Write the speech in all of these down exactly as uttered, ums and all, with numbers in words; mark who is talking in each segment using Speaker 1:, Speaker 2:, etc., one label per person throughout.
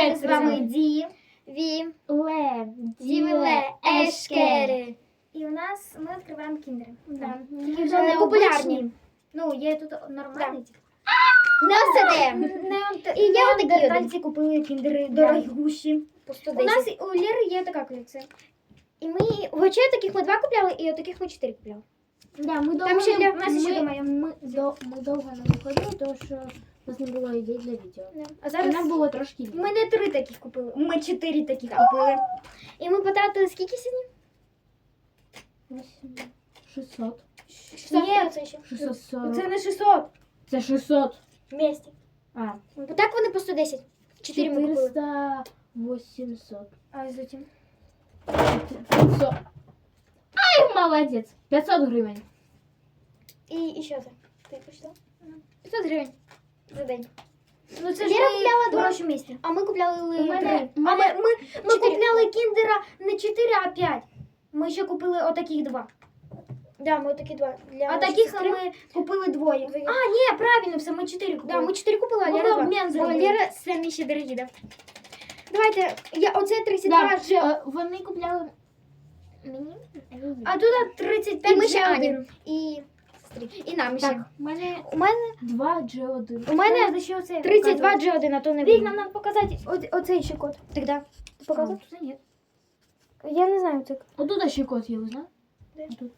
Speaker 1: Ми з вами Ді,
Speaker 2: Ві,
Speaker 1: Ле,
Speaker 2: Дівеле, Ешкери.
Speaker 1: І у нас ми відкриваємо кіндери.
Speaker 2: Да.
Speaker 1: Такі вже
Speaker 2: Е,
Speaker 1: не
Speaker 2: популярні.
Speaker 1: популярні. Ну, є тут нормальні.
Speaker 2: Не все.
Speaker 1: І я
Speaker 2: отакі
Speaker 1: такі
Speaker 2: один.
Speaker 1: тальці купили кіндери дорогущі.
Speaker 2: По сто
Speaker 1: У
Speaker 2: десять.
Speaker 1: нас у Лєри є така колекція.
Speaker 2: І ми, хоча таких ми два купляли, і отаких ми чотири купляли.
Speaker 3: Да, ми довго,
Speaker 1: Там ще для
Speaker 3: ми,
Speaker 1: нас ще
Speaker 3: ми,
Speaker 1: думаю.
Speaker 3: ми, до, ми довго не виходили, тому що у нас не було ідей для відео.
Speaker 1: А
Speaker 3: І
Speaker 1: зараз
Speaker 3: нам було трошки лінь.
Speaker 1: ми не три таких купили, ми чотири таких купили.
Speaker 2: І ми потратили скільки сьогодні?
Speaker 3: Вісім- шістсот.
Speaker 1: Ні,
Speaker 2: це ще.
Speaker 3: шістсот сорок.
Speaker 1: це не шістсот.
Speaker 3: Це шістсот.
Speaker 1: Вместе.
Speaker 3: А,
Speaker 2: Так вони по сто десять. Чотири ми купили.
Speaker 3: чотириста вісімсот.
Speaker 1: А затем?
Speaker 3: п'ятсот. Ай, молодець. п'ятсот гривень.
Speaker 2: І, і що це? Ти почитав? п'ятсот гривень за день.
Speaker 1: Ну це ж
Speaker 2: Лєра
Speaker 1: ми
Speaker 2: купляла два.
Speaker 1: дорожче місці.
Speaker 2: А ми купляли
Speaker 3: У мене,
Speaker 2: три.
Speaker 3: у
Speaker 1: А
Speaker 3: мене
Speaker 1: ми, ми, ми
Speaker 2: Чотири.
Speaker 1: купляли кіндера не чотири, а п'ять. Ми ще купили отаких два.
Speaker 2: Да, ми такі два. Для
Speaker 1: А
Speaker 2: нашої
Speaker 1: таких
Speaker 2: сестри.
Speaker 1: ми купили двоє.
Speaker 2: Двоє.
Speaker 1: А, ні, правильно, все, ми чотири купили.
Speaker 2: Да, ми чотири купили, а
Speaker 1: Ми
Speaker 2: Лера два.
Speaker 1: обмін
Speaker 2: Бо
Speaker 1: зробили.
Speaker 2: Лера самі ще дорогі, да. Давайте, я, оце тридцять
Speaker 3: Да,
Speaker 2: два вже.
Speaker 3: е, вони купляли.
Speaker 2: Мені?
Speaker 1: А тут тридцять п'ять
Speaker 2: І ми ще
Speaker 1: ще
Speaker 2: Ані.
Speaker 1: один.
Speaker 2: І сестрі. І нам ще.
Speaker 3: Так, у мене
Speaker 2: У мене,
Speaker 3: два джі один.
Speaker 2: у мене
Speaker 1: Треба ще оце
Speaker 2: тридцять два
Speaker 1: показувати.
Speaker 2: джі один, а то не
Speaker 1: Вік,
Speaker 2: видно.
Speaker 1: нам треба показати о- оцей ще код.
Speaker 2: Тогда. Ти показав?
Speaker 3: Це ні.
Speaker 2: Я не знаю, це.
Speaker 3: Отут ще код є, ви знаєте?
Speaker 2: Де?
Speaker 3: Отут.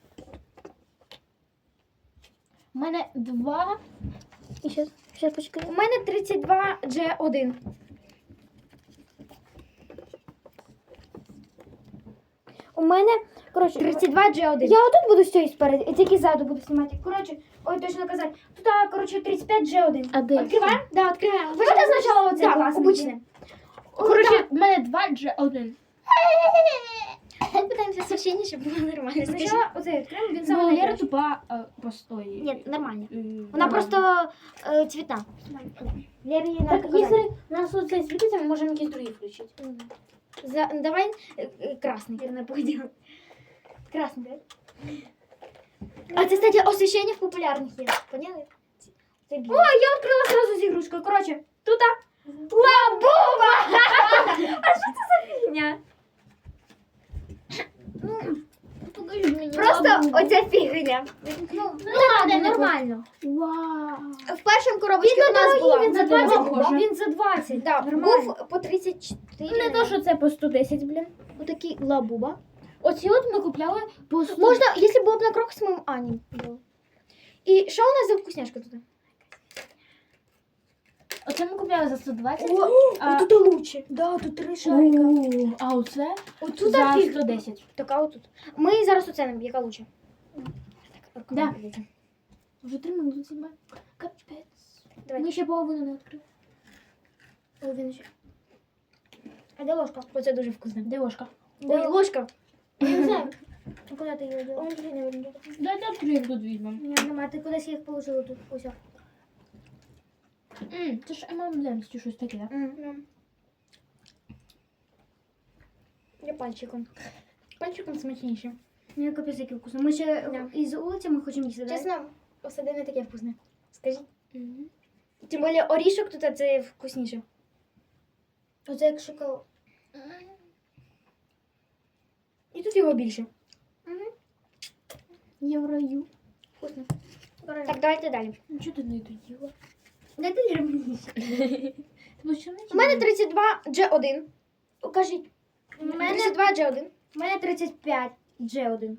Speaker 3: У мене два.
Speaker 2: І ще, ще почекай.
Speaker 1: У мене тридцять два джі один.
Speaker 2: У мене, коротше,
Speaker 1: тридцять два джі один.
Speaker 2: я отут буду з цієї спереду, і тільки ззаду буду.
Speaker 1: буду знімати. Коротше, ой, точно казати. Тут, а, коротше, тридцять п'ять джі один.
Speaker 3: А де?
Speaker 1: Відкриваємо?
Speaker 2: Да, відкриваємо.
Speaker 1: Хочете спочатку оце
Speaker 2: Да,
Speaker 1: класне?
Speaker 2: обичне.
Speaker 3: Коротше, у мене два джі один.
Speaker 2: Ми питаємося священні, щоб було нормально. Скажи.
Speaker 1: Спочатку оце відкриємо, він
Speaker 3: Ну,
Speaker 1: саме
Speaker 3: Лера
Speaker 1: найкращий.
Speaker 3: тупа е, просто. ой,
Speaker 2: Ні, нормально.
Speaker 3: е,
Speaker 2: Вона
Speaker 3: нормально.
Speaker 2: просто е, цвітна.
Speaker 1: Лєрі її
Speaker 3: Так,
Speaker 1: надо показати.
Speaker 3: якщо у нас оце світиться, ми можемо якісь другі включити.
Speaker 2: За, давай е, е, красний.
Speaker 1: Вірно, поділ. Красний, так?
Speaker 2: А це, кстати, освіщення в популярних є. Поняли? Це
Speaker 1: О,
Speaker 2: біле.
Speaker 1: я відкрила сразу з ігрушкою. Коротше, тут лабуба! А що це за фігня?
Speaker 2: Покажи мені.
Speaker 1: Просто оця фігня. Ну, ладно, нормально.
Speaker 3: Вау.
Speaker 2: В першому коробочці у нас була.
Speaker 1: Він за
Speaker 3: Ну, це
Speaker 1: двадцять,
Speaker 3: похоже.
Speaker 1: він за двадцять.
Speaker 2: Да,
Speaker 1: Нормально.
Speaker 2: був по тридцять чотири.
Speaker 3: Не то, що це по сто десять, блін.
Speaker 2: Отакий лабуба.
Speaker 3: Оці от ми купляли по сто.
Speaker 2: Можна, якщо було б на крок з моїм Ані було. І що у нас за вкусняшка тут?
Speaker 3: Оце ми купляли за сто двадцять.
Speaker 1: О,
Speaker 3: а...
Speaker 1: тут лучше. Да, тут три шарика.
Speaker 3: О, а оце
Speaker 1: Отут
Speaker 3: за
Speaker 1: фіг.
Speaker 3: сто десять.
Speaker 2: Така отут. Ми зараз оценимо, яка лучше. Так,
Speaker 3: Да.
Speaker 2: руками дивіться.
Speaker 3: Вже три минути знімаємо. Капець.
Speaker 2: Давай.
Speaker 3: Ми ще половину не відкрили.
Speaker 2: О, він ще.
Speaker 1: А де ложка?
Speaker 2: Оце дуже вкусно.
Speaker 3: Де ложка?
Speaker 2: Ой, ложка.
Speaker 1: Я не знаю. А куди ти її діла?
Speaker 2: Ой, блін, не видно.
Speaker 3: Дайте відкриємо тут візьмемо.
Speaker 1: Ні, нема, ти кудись їх положила тут. Ось. о.
Speaker 3: М, Це ж ем ем ем чи щось таке, так?
Speaker 2: М. Я пальчиком. Пальчиком смачніше.
Speaker 1: Ну, капець, який вкусно. Ми ще
Speaker 2: Да.
Speaker 1: із вулиці ми хочемо їсти, так?
Speaker 2: Чесно, осади не таке вкусне. Скажіть. Тим більше орішок тут це вкусніше.
Speaker 1: Оце як шоколад.
Speaker 2: І тут його більше.
Speaker 3: Я в раю.
Speaker 2: Вкусно.
Speaker 1: Так.
Speaker 2: Так, давайте далі.
Speaker 3: Ну чого ти не доїла?
Speaker 1: Де ти мені?
Speaker 3: Ти що не
Speaker 2: У мене тридцять два джі один. Покажіть.
Speaker 1: У
Speaker 2: тридцять
Speaker 1: мене,
Speaker 2: два джі один.
Speaker 1: у мене тридцять п'ять джі один.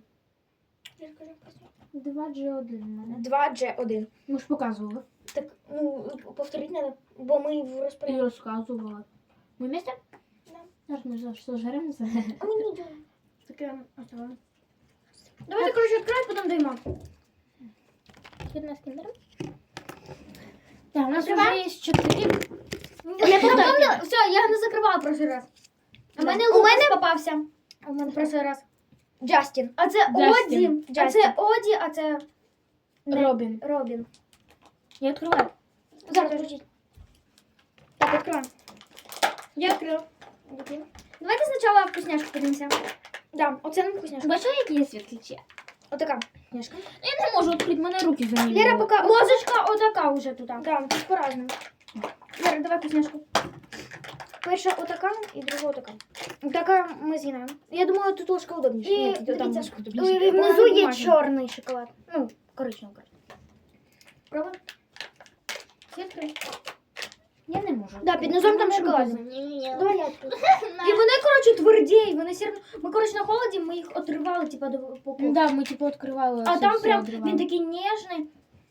Speaker 3: два джі один у мене.
Speaker 2: два джі один.
Speaker 3: Ми ж показували.
Speaker 2: Так, ну, повторіть треба, бо ми в
Speaker 3: І
Speaker 2: розпорядженні.
Speaker 3: розказувала. Ми вместе?
Speaker 2: Да.
Speaker 3: Зараз ми за що зжеремося.
Speaker 2: А мені не
Speaker 1: Таке оставили. Давайте, коротше, відкривай, потім даємо.
Speaker 2: Одна з кіндером.
Speaker 3: Так, у нас вже
Speaker 1: Відкриваємо?
Speaker 3: є чотири.
Speaker 1: Я помнила, все, я не закривала в прошлий раз. А в
Speaker 2: Да.
Speaker 1: мене
Speaker 2: У
Speaker 1: Лукас
Speaker 2: мене-
Speaker 1: попався
Speaker 2: У мене
Speaker 1: в прошлий раз.
Speaker 2: Джастін.
Speaker 1: А це
Speaker 3: Джастін.
Speaker 1: Оді, а
Speaker 2: Джастін.
Speaker 1: це Оді, а це не-
Speaker 3: Робін.
Speaker 1: Робін.
Speaker 3: Я відкриваю.
Speaker 2: Зараз крутіть. Так, відкриваємо.
Speaker 1: Я відкрила. Давайте спочатку вкусняшку подивимося.
Speaker 2: Да, оце нам вкусняшка.
Speaker 3: Бачила, які є світличі?
Speaker 2: Отака вкусняшка.
Speaker 3: Я не можу відкрити, мене руки замінили.
Speaker 2: Лера, поки...
Speaker 1: Ложечка отака вже тут.
Speaker 2: Да, по-разному.
Speaker 1: Лера, давай вкусняшку.
Speaker 2: Перша отака і друга отака. Така ми з'їдаємо. Я думаю, тут ложка удобніше.
Speaker 1: І
Speaker 2: Ні, тут там
Speaker 1: дивіться,
Speaker 2: удобніше.
Speaker 1: і
Speaker 2: Внизу
Speaker 1: вона
Speaker 2: є
Speaker 1: бумажна.
Speaker 2: чорний шоколад. Ну, коричневий.
Speaker 1: Пробуй. Сітки. Я не можу.
Speaker 2: Да, під низом там шоколад.
Speaker 1: Давай я відкрию. І вони, коротше, тверді, вони все одно. Ми, коротше, на холоді, ми їх отривали, типа, до упаковки.
Speaker 3: Да, ми типу відкривали.
Speaker 1: А
Speaker 3: все-
Speaker 1: там
Speaker 3: все
Speaker 1: прям
Speaker 3: відривали.
Speaker 1: він такий ніжний.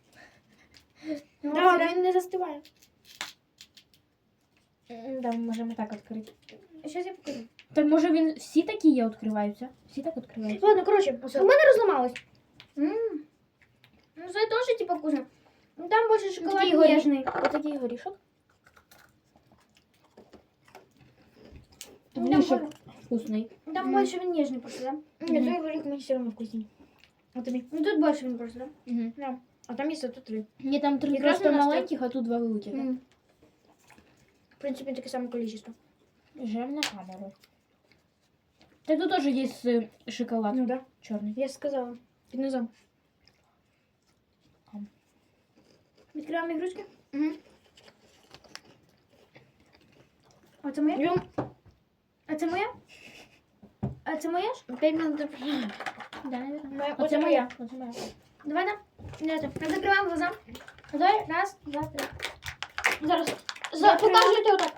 Speaker 2: Да, він не застиває.
Speaker 3: М, Да, ми можемо так відкрити.
Speaker 1: Щас я покажу.
Speaker 3: Так може він всі такі є відкриваються? Всі так відкриваються?
Speaker 2: Ладно, коротше, у мене розламалось.
Speaker 1: М. Ну, це теж, типа, вкусно. Ну, там більше шоколад
Speaker 3: Такий горіх.
Speaker 1: ніжний.
Speaker 3: Отакий горішок.
Speaker 1: Ну, там
Speaker 3: Горішок
Speaker 1: боль-
Speaker 3: вкусний.
Speaker 1: Там
Speaker 2: Мгм.
Speaker 1: більше він ніжний просто, да?
Speaker 2: Ні,
Speaker 3: Мгм.
Speaker 2: той горіх мені все одно вкусний. А тобі?
Speaker 1: Ну, тут більше він просто, да?
Speaker 3: Угу.
Speaker 2: Да. А там є тут три.
Speaker 3: Ні, там три
Speaker 2: Якраз
Speaker 3: просто
Speaker 2: у нас
Speaker 3: маленьких, а тут два великих.
Speaker 2: М. В принципі, таке саме кількість.
Speaker 3: Жем на камеру. Так тут теж є е, шоколад
Speaker 2: Ну да.
Speaker 3: чорний.
Speaker 2: Я ж сказала. Під низом.
Speaker 1: Відкриваємо ігрушки.
Speaker 2: Угу.
Speaker 1: А це моє?
Speaker 2: Йом.
Speaker 1: А це моє? А це моє ж?
Speaker 2: П'ять минут.
Speaker 3: Да, наверное.
Speaker 2: Моя-
Speaker 3: Оце
Speaker 2: оце
Speaker 3: моя. Оце моя.
Speaker 1: Давай, да. Ми закриваємо глаза. Давай, раз, два, три.
Speaker 2: Зараз. За,
Speaker 1: Закриваємо.
Speaker 2: покажете отак.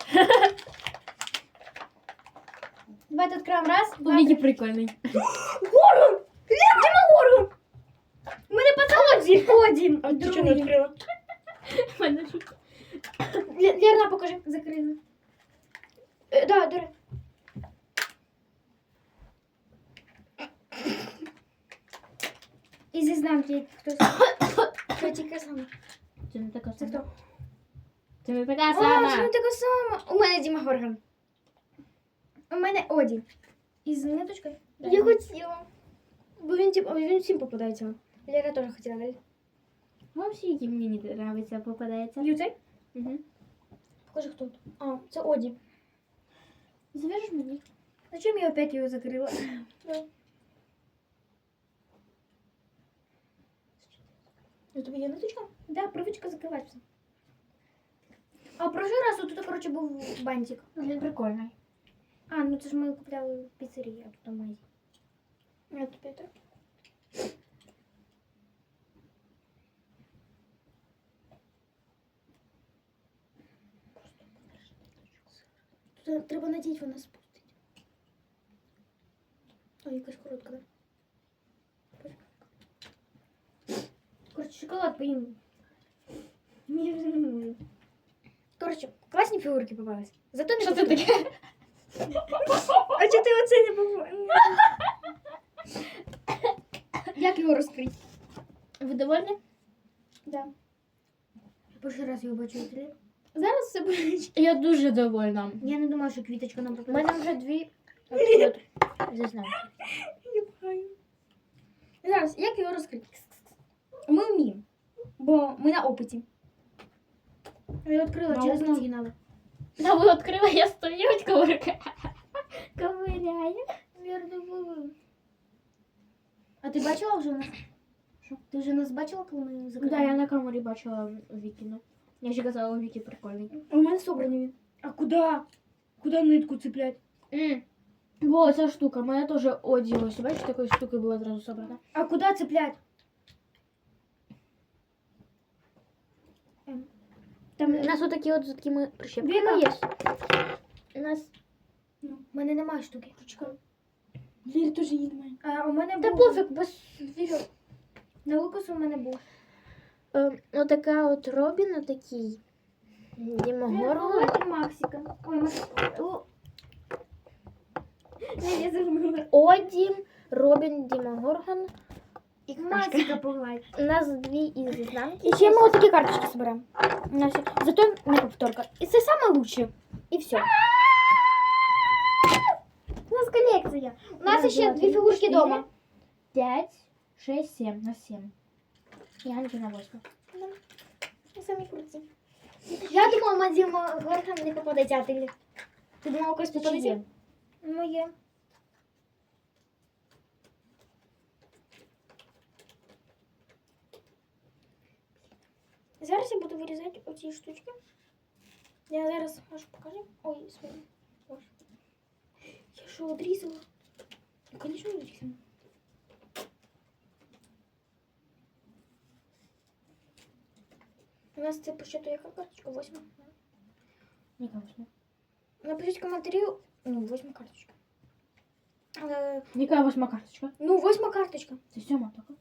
Speaker 1: Давайте відкриваємо. Раз, два,
Speaker 3: Який
Speaker 1: три.
Speaker 3: прикольний.
Speaker 1: Горгон! Дима Горгон! У мене пацан Оді. Оді.
Speaker 2: А ти чого не відкрила? Лє- Лєрна, покажи.
Speaker 1: Закрили.
Speaker 2: Е, да, дури.
Speaker 1: І зізнамте, хтось.
Speaker 2: Що тільки саме?
Speaker 3: Це не така
Speaker 1: Це
Speaker 3: сама.
Speaker 1: хто?
Speaker 3: Це не така
Speaker 1: О, це
Speaker 3: сама.
Speaker 1: не така сама.
Speaker 2: У мене Діма Горган.
Speaker 1: У мене Оді. Із ниточкою.
Speaker 2: Я хотіла. Бо він, типу, він всім попадається. Лера теж хотіла, да?
Speaker 3: Ну, всі, які мені не подобаються, попадається.
Speaker 1: І оцей?
Speaker 3: Угу.
Speaker 2: Покажи, хто тут. А, це Оді.
Speaker 3: Завяжеш мені?
Speaker 1: Зачем я опять його закрила?
Speaker 2: У тобі є ниточка?
Speaker 1: Да, привичка закриватися. А прошлий раз тут, коротше, був бантик.
Speaker 3: Він прикольний.
Speaker 1: А, ну це ж ми купляли в піцерії, а тут в магазині.
Speaker 2: Я тобі так. Тут треба надіть, вона спустить. Ой, якась коротка, да?
Speaker 1: Коротше, шоколад поїм. Ні, вже не можу.
Speaker 2: Коротше, класні фігурки попались. Зато не
Speaker 3: Що це таке?
Speaker 1: А чого ти оце не побачив? Як його розкрити?
Speaker 3: Ви довольні?
Speaker 1: Да. Перший раз його бачу в телі. Зараз все буде.
Speaker 3: Я дуже довольна.
Speaker 1: Я не думаю, що квіточка нам
Speaker 3: У
Speaker 1: попаде.
Speaker 3: мене вже дві. От, зазнаю.
Speaker 1: Зараз, як його розкрити? Ми вміємо. Бо ми на опиті. Я відкрила
Speaker 3: На
Speaker 1: через
Speaker 3: опиті?
Speaker 1: ноги надо.
Speaker 3: Да, ви відкрила, я стою, ковирка. Ковиряю.
Speaker 1: А ти бачила вже нас? Що? Ти вже нас бачила, коли ми закрили?
Speaker 3: Да, я на камері бачила Вікіну. Я ще казала, у Вікі прикольний.
Speaker 1: У мене собраний він. А куди? Куди нитку цеплять?
Speaker 3: М. Во, ця штука. Моя теж Оді, ось, бачиш, такою штукою була зразу собрана.
Speaker 1: А куди цеплять?
Speaker 3: Там у нас отакі от з такими прищепками
Speaker 1: Віка.
Speaker 3: є. У нас...
Speaker 1: Ну, в мене немає штуки.
Speaker 2: Лєрі теж її немає.
Speaker 1: А у мене
Speaker 3: Та
Speaker 1: був.
Speaker 3: пофіг, без вірю.
Speaker 1: На лукасу у мене був.
Speaker 3: Е, отака от Робін, отакий. Дімогоргон.
Speaker 1: І Максика. Ой, Максика. О. Не, я забула.
Speaker 3: Оді, Робін, Дімогоргон. І Кашка.
Speaker 1: Максика погладь.
Speaker 3: У нас дві із ізнанки.
Speaker 2: І ще ми отакі карточки зберемо. У нас є- Зато не повторка. І це саме лучше. І все.
Speaker 1: У нас колекція.
Speaker 2: У нас ще дві фігурки вдома.
Speaker 3: П'ять, шесть, сім. На сім. І Ганки на восьму.
Speaker 2: Самі круті. Я думала, Мадіма Горган не попадеться, а ти? Ти думала, когось
Speaker 3: Це
Speaker 2: попадеться?
Speaker 3: чиє?
Speaker 1: Моє.
Speaker 2: Зараз я буду вирізати оці штучки. Я зараз можу покажи. Ой, свої. Боже. Я що, одрізала? Ну, конечно, одрізала. У нас це по счету яка карточка? Восьма.
Speaker 3: Яка восьма?
Speaker 2: Напишіть коментарі. Ну, восьма карточка. Е,
Speaker 3: Яка восьма карточка?
Speaker 2: ну, восьма карточка.
Speaker 3: Це сьома така.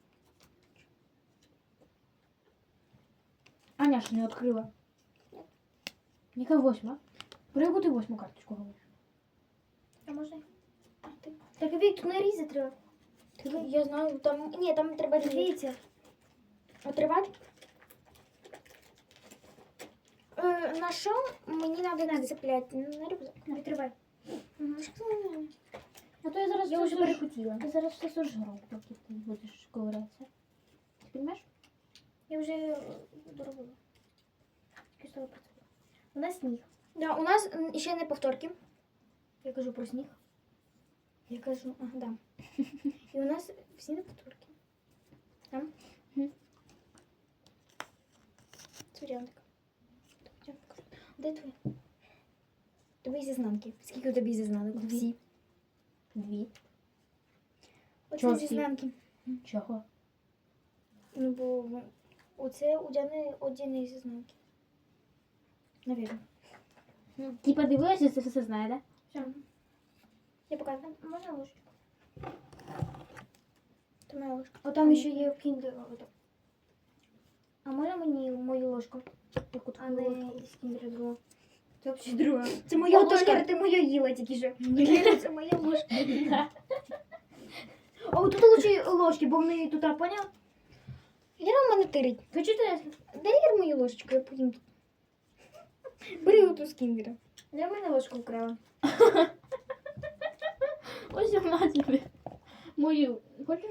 Speaker 3: Аня ж не відкрила. Яка восьма? Про яку ти восьму карточку говориш?
Speaker 2: А можна? А, ти. Так, Вік, тут нарізати треба. Я знаю, там... Ні, там треба різати. Отривати? Е, на що мені треба нацепляти? На рюкзак. Відривай.
Speaker 3: А то я зараз
Speaker 2: Я
Speaker 3: все
Speaker 2: вже
Speaker 3: сож-
Speaker 2: перехотіла.
Speaker 3: Я зараз все сожру, поки ти будеш ковирятися. Ти розумієш?
Speaker 2: Я вже е, доробила. Кисло працювала. У нас сніг. Да, у нас м, ще не повторки. Я кажу про сніг. Я кажу, ага, да. І у нас всі не повторки. Там.
Speaker 3: Мгм.
Speaker 2: Сурянка. Де твоя? Тобі зізнанки. Скільки у тобі зізнанок?
Speaker 3: Дві.
Speaker 2: Всі.
Speaker 3: Дві.
Speaker 2: Оце
Speaker 3: Чого всі?
Speaker 2: зізнанки.
Speaker 3: Чого?
Speaker 2: Ну, бо оце у Діани одні зізнанки. Навірно.
Speaker 3: Ти подивилася, це все знає, да?
Speaker 2: Все. Я показую. Можна ложечку? Це моя ложка. О, там ще є в кіндер. А можна мені мою ложку? Яку
Speaker 1: А не
Speaker 2: ложку?
Speaker 1: з кіндера друга.
Speaker 2: Це взагалі друга.
Speaker 1: Це моя
Speaker 2: О,
Speaker 1: ложка,
Speaker 2: точно.
Speaker 1: ти моя їла тільки що.
Speaker 2: Лера, це моя ложка.
Speaker 1: О, тут лучше ложки, бо в неї тут, поняв?
Speaker 2: Лера в мене тирить.
Speaker 1: Почитай.
Speaker 2: Дай Лер мою ложечку, я потім тут. Бери оту з кіндера.
Speaker 1: Я в мене ложку вкрала.
Speaker 3: Ось вона тобі. Мою. Хочеш?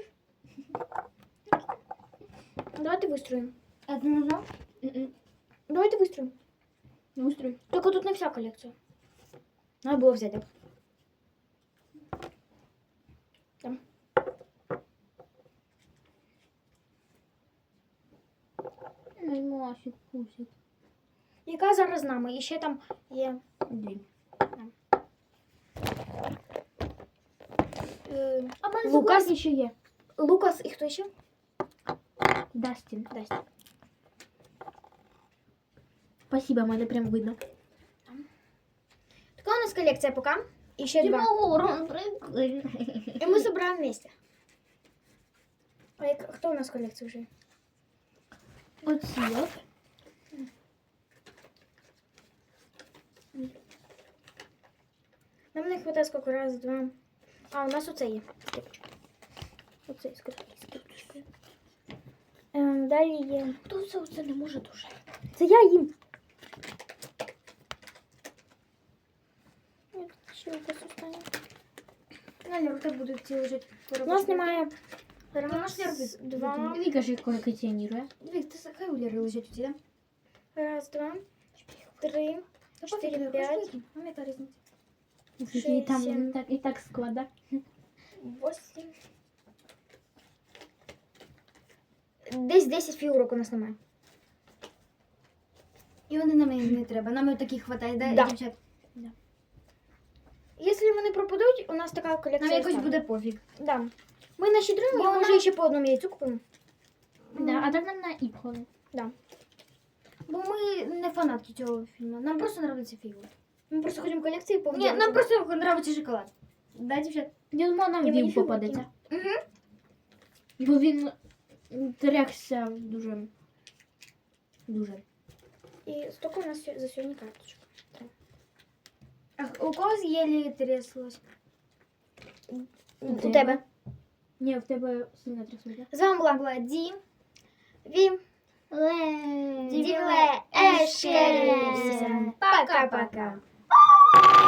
Speaker 2: Давайте вистроїмо.
Speaker 1: А ти можна?
Speaker 2: Давайте вистроїмо.
Speaker 3: Устрой.
Speaker 2: Тільки тут не вся колекція. Надо було взяти. Там.
Speaker 3: Мой Масик, пусик.
Speaker 2: Яка зараз з нами? І ще там є.
Speaker 3: Дві.
Speaker 2: Е,
Speaker 3: А в мене
Speaker 2: Лукас?
Speaker 3: Лукас ще є.
Speaker 2: Лукас і хто ще?
Speaker 3: Дастін.
Speaker 2: Дасть.
Speaker 3: Спасибо, мене прям видно.
Speaker 2: Така у нас колекція поки. І ще два.
Speaker 3: Тимоурон, прикольно.
Speaker 2: І ми збираємо вместе. А як, хто у нас колекція вже?
Speaker 3: Оці от.
Speaker 2: Нам не хватає скільки раз, два. А, у нас оце є. Оце з карточкою. Ем, далі є.
Speaker 3: Хто це оце не може дуже?
Speaker 2: Це я їм. Ще якось останнє.
Speaker 1: Наля, у тебе будуть ці лежать.
Speaker 2: У нас немає
Speaker 1: Раз,
Speaker 2: раз, два.
Speaker 3: Віка ж колекціонує.
Speaker 1: Дві, ти хай у Лєри лежать у ті, да?
Speaker 2: Раз, два, три, чотири, п'ять,
Speaker 1: Ну, яка різниця?
Speaker 3: І
Speaker 2: Шість,
Speaker 3: там
Speaker 2: сім.
Speaker 3: і так, і так склада.
Speaker 2: восемь. Десь десять фігурок у нас немає.
Speaker 1: І вони нам не треба. Нам таких хватає, да,
Speaker 2: Да.
Speaker 1: дівчат?
Speaker 2: Якщо вони пропадуть, у нас така колекція.
Speaker 1: Нам якось
Speaker 2: остане.
Speaker 1: буде пофіг.
Speaker 2: Да. Ми нащедруємо,
Speaker 1: Бо
Speaker 2: і може
Speaker 1: вона-
Speaker 2: ще по одному яйцю купимо.
Speaker 3: Да, а так нам на іпхоли.
Speaker 1: Бо ми не фанатки цього фільму. Нам просто подобається фігури.
Speaker 2: Ми просто хочемо колекції
Speaker 1: Ні,
Speaker 2: повідомити.
Speaker 1: нам просто подобається шоколад. Да, дівчат?
Speaker 3: Я думала, нам
Speaker 2: Я мені
Speaker 3: він
Speaker 2: фігурки.
Speaker 3: попадеться.
Speaker 2: Угу.
Speaker 3: Бо він трясся дуже. Дуже.
Speaker 2: І стільки у нас сьо- за сьогодні карточок.
Speaker 1: А у когось єлі тряслось?
Speaker 2: У
Speaker 3: тебе?
Speaker 2: тебе.
Speaker 3: Ні, в тебе сильно трясся.
Speaker 2: З вами була, була Ді. Ві.
Speaker 3: Ле.
Speaker 2: Дівле. Ешкері. Пока-пока.